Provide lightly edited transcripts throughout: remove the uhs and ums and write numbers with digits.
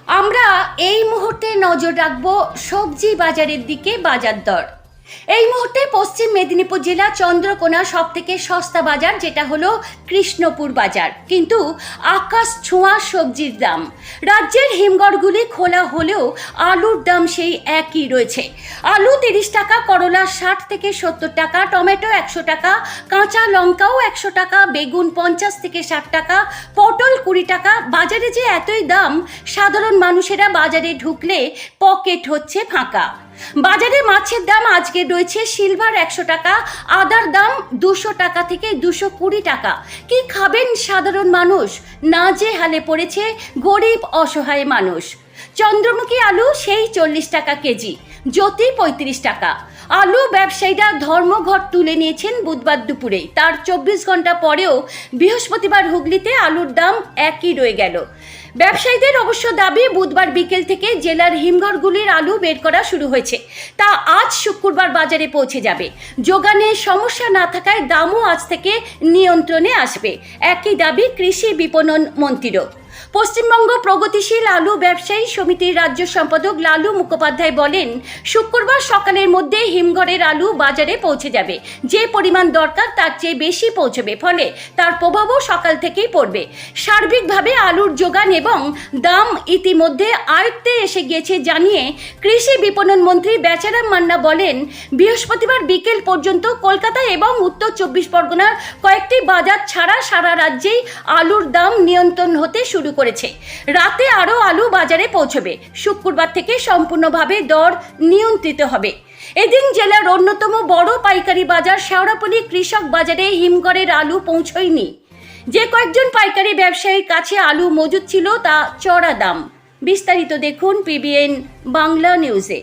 আমরা এই মুহূর্তে নজর রাখবো সবজি বাজারের দিকে। বাজার দর এই মুহূর্তে পশ্চিম মেদিনীপুর জেলা চন্দ্রকোনা সব থেকে সস্তা বাজার, যেটা হলো কৃষ্ণপুর বাজার। কিন্তু আকাশ ছোঁয়া সবজির দাম। রাজ্যের হিমঘরগুলি খোলা হলেও আলুর দাম সেই একই রয়েছে। আলু 30 টাকা, করলা 60 থেকে 70 টাকা, টমেটো 100 টাকা, কাঁচা লঙ্কাও 100 টাকা, বেগুন 50 থেকে 60 টাকা, পটল 20 টাকা। বাজারে যে এতই দাম, সাধারণ মানুষেরা বাজারে ঢুকলে পকেট হচ্ছে ফাঁকা। বাজারে মাছের দাম আজকে রয়েছে সিলভার 100 টাকা, আদার দাম 200 টাকা থেকে 220 টাকা। কি খাবেন সাধারণ মানুষ? নাজেহালে পড়েছে গরিব অসহায় মানুষ। চন্দ্রমুখী আলু সেই 40 টাকা কেজি, জ্যোতি 35 টাকা। আলু ব্যবসায়ীরা ধর্মঘট তুলে নিয়েছেন বুধবার দুপুরে। তার 24 ঘন্টা পরেও বৃহস্পতিবার হুগলিতে আলুর দাম একই রয়ে গেল। ব্যবসায়ীদের অবশ্য দাবি, বুধবার বিকেল থেকে জেলার হিমঘরগুলির আলু বের করা শুরু হয়েছে। তা আজ শুক্রবার বাজারে পৌঁছে যাবে। যোগানে সমস্যা না থাকায় দামও আজ থেকে নিয়ন্ত্রণে আসবে। একই দাবি কৃষি বিপণন মন্ত্রীরও। পশ্চিমবঙ্গ প্রগতিশীল আলু ব্যবসায়ী সমিতির রাজ্য সম্পাদক লালু মুখোপাধ্যায় বলেন, শুক্রবার সকালের মধ্যে হিমঘরের আলু বাজারে পৌঁছে যাবে। যে পরিমাণ দরকার তার চেয়ে বেশি পৌঁছবে, ফলে তার প্রভাবও সকাল থেকেই পড়বে। সার্বিকভাবে আলুর যোগান এবং দাম ইতিমধ্যে আয়ত্তে এসে গিয়েছে জানিয়ে কৃষি বিপণন মন্ত্রী বেচারাম মান্না বলেন, বৃহস্পতিবার বিকেল পর্যন্ত কলকাতা এবং উত্তর 24 পরগনার কয়েকটি বাজার ছাড়া সারা রাজ্যেই আলুর দাম নিয়ন্ত্রণ হতে শুরু করেছে। রাতে আরও আলু বাজারে পৌঁছবে। শুক্রবার থেকে সম্পূর্ণভাবে দর নিয়ন্ত্রিত হবে। এদিন জেলার অন্যতম বড় পাইকারি বাজার শেওড়াফুলি কৃষক বাজারে হিমঘরের আলু পৌঁছয়নি। যে কয়েকজন পাইকারি ব্যবসায়ীর কাছে আলু মজুদ ছিল তা চড়া দাম। বিস্তারিত দেখুন পিবিএন বাংলা নিউজে।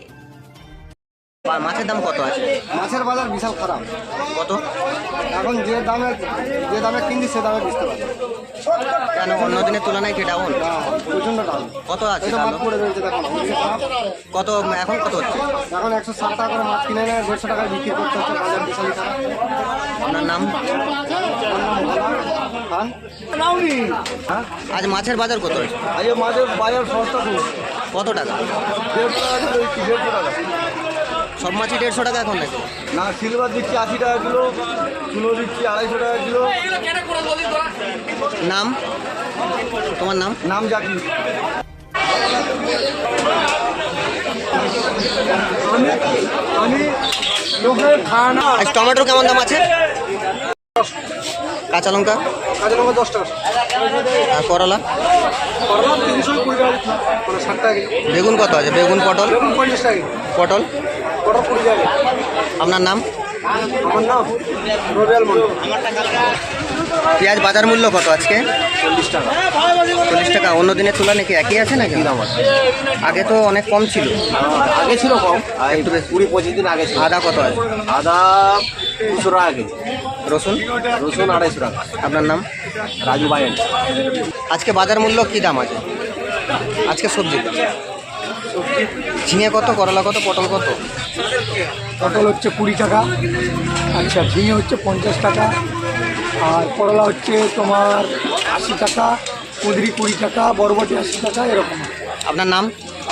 মাছের দাম কত আছে? মাছের বাজার বিশাল খারাপ। কত? এখন যে দামে কিনছি সে দামে বেচতে পারছি। কেন অন্য দিনের তুলনায় কি ডাউন? প্রচন্ড দাম। কত আছে? এটা মাছ পড়ে রয়েছে, দেখো খারাপ। কত এখন কত হচ্ছে? এখন 160 টাকা করে মাছ কিনে নেয়, 150 টাকায় বিক্রি করতে হচ্ছে। বাজার বিশালই খারাপ। আপনার নাম? খান। হ্যাঁ, আজ মাছের বাজার কত আছে? আজ মাছের বাজার সস্তা খুব। কত টাকা? 150 টাকা। সব মাছই 150 টাকা এখন নাকি? না, সিলভার দিচ্ছি 80 টাকা কিলো, চুনো দিচ্ছি 250 টাকা কিলো। নাম? তোমার নাম? নাম জাকির। আমি লোকের খানা। আজ টমেটোর কেমন দাম আছে? কাঁচা লঙ্কা? কাঁচা লঙ্কা 10 টাকা। আর করলা? করলা 320 টাকা, মানে 60 টাকা। বেগুন কত আছে? বেগুন, পটল? বেগুন 50 টাকা। পটল? পটল 20 টাকা। আপনার নাম? আমার নাম রবিয়াল মন্ডল। পেঁয়াজ বাজার মূল্য কত আজকে? 40 টাকা। 40 টাকা। অন্য দিনের তুলনায় কি একই আছে নাকি? আগে তো অনেক কম ছিল। আগে ছিল কম, একটু বেশি। 20-25 দিন আগে ছিল। আদা কত আছে? আদা 200 টাকা কেজি। রসুন? রসুন 250 টাকা। আপনার নাম? রাজু বায়েন। আজকে বাজার মূল্য কি দাম আছে আজকে সবজি? ঝিঙে কত, করলা কত, পটল কত? পটল হচ্ছে 20 টাকা, আচ্ছা ঝিঙে হচ্ছে 50 টাকা, আর করলা হচ্ছে তোমার 80 টাকা, কুঁদরি 20 টাকা, বরবটি 80 টাকা, এরকম। আপনার নাম?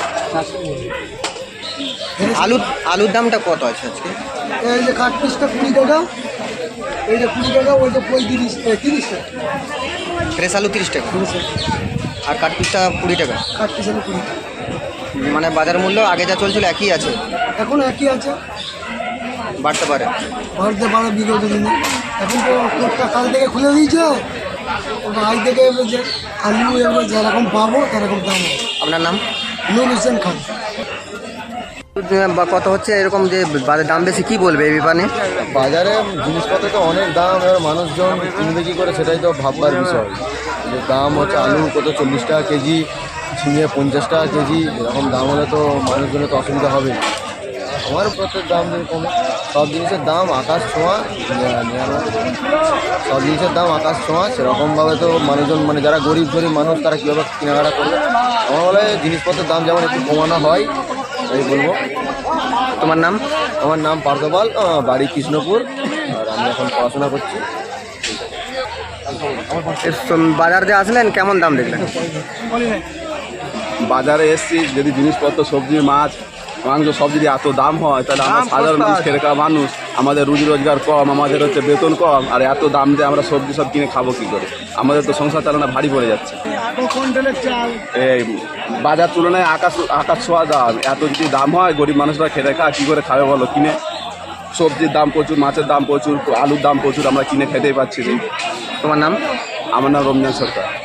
আলুর দামটা কত আছে আজকে? এই যে কাঠ পিসটা 20 টাকা, এই যে 20 টাকা, ওই যে 30 টাকা। ফ্রেশ আলু 30 টাকা আর কাঠ পিসটা 20 টাকা। কাঠ পিস হলো 20 টাকা। মানে বাজার মূল্য আগে যা চলছিল একই আছে, এখন একই আছে, বাড়তে পারে। বাড়তে পারে বিগত দিনে। এখন তো কোর্টটা কাল থেকে খুলে দিয়েছে, আজ থেকে এবার যে আলু এবার যেরকম পাবো সেরকম দাম হবে। আপনার নাম? নুর হোসেন খান। বা কত হচ্ছে এরকম যে বাজার দাম বেশি, কি বলবে এই ব্যাপারে? বাজারে জিনিসপত্র তো অনেক দাম, এবার মানুষজন কিনবে কী করে সেটাই তো ভাববার বিষয়। যে দাম হচ্ছে আলু কত 40 টাকা কেজি, ঝিঙে 50 টাকা কেজি, এরকম দাম হলে তো মানুষজনের তো অসুবিধা হবে। আমার প্রত্যেক দাম কমে, সব জিনিসের দাম আকাশ ছোঁয়া, সব জিনিসের দাম আকাশ ছোঁয়া। সেরকমভাবে তো মানুষজন, মানে যারা গরিব মানুষ তারা কীভাবে কেনাকাটা করবে? আমার বলে জিনিসপত্রের দাম যেমন একটু কমানো হয় এই বলবো। তোমার নাম? আমার নাম পার্থপাল, বাড়ি কৃষ্ণপুর, আর আমি এখন পড়াশোনা করছি। বাজার যে আসলেন কেমন দাম দেখলেন? বাজারে এসছি, যদি জিনিসপত্র সবজি মাছ মাংস সব যদি এত দাম হয়, তাহলে আমরা সাধারণ মানুষ, খেটে খাওয়া মানুষ, আমাদের রুজি রোজগার কম, আমাদের হচ্ছে বেতন কম, আর এত দাম দিয়ে আমরা সবজি সব কিনে খাবো কী করে? আমাদের তো সংসার চালানো ভারী পড়ে যাচ্ছে। এই বাজার তুলনায় আকাশ ছোঁয়া দাম, এত যদি দাম হয় গরিব মানুষরা খেটে খায় কী করে খাবে বলো? কিনে সবজির দাম প্রচুর, মাছের দাম প্রচুর, আলুর দাম প্রচুর, আমরা কিনে খেতেই পাচ্ছি না। তোমার নাম? আমার নাম রমজান সরকার।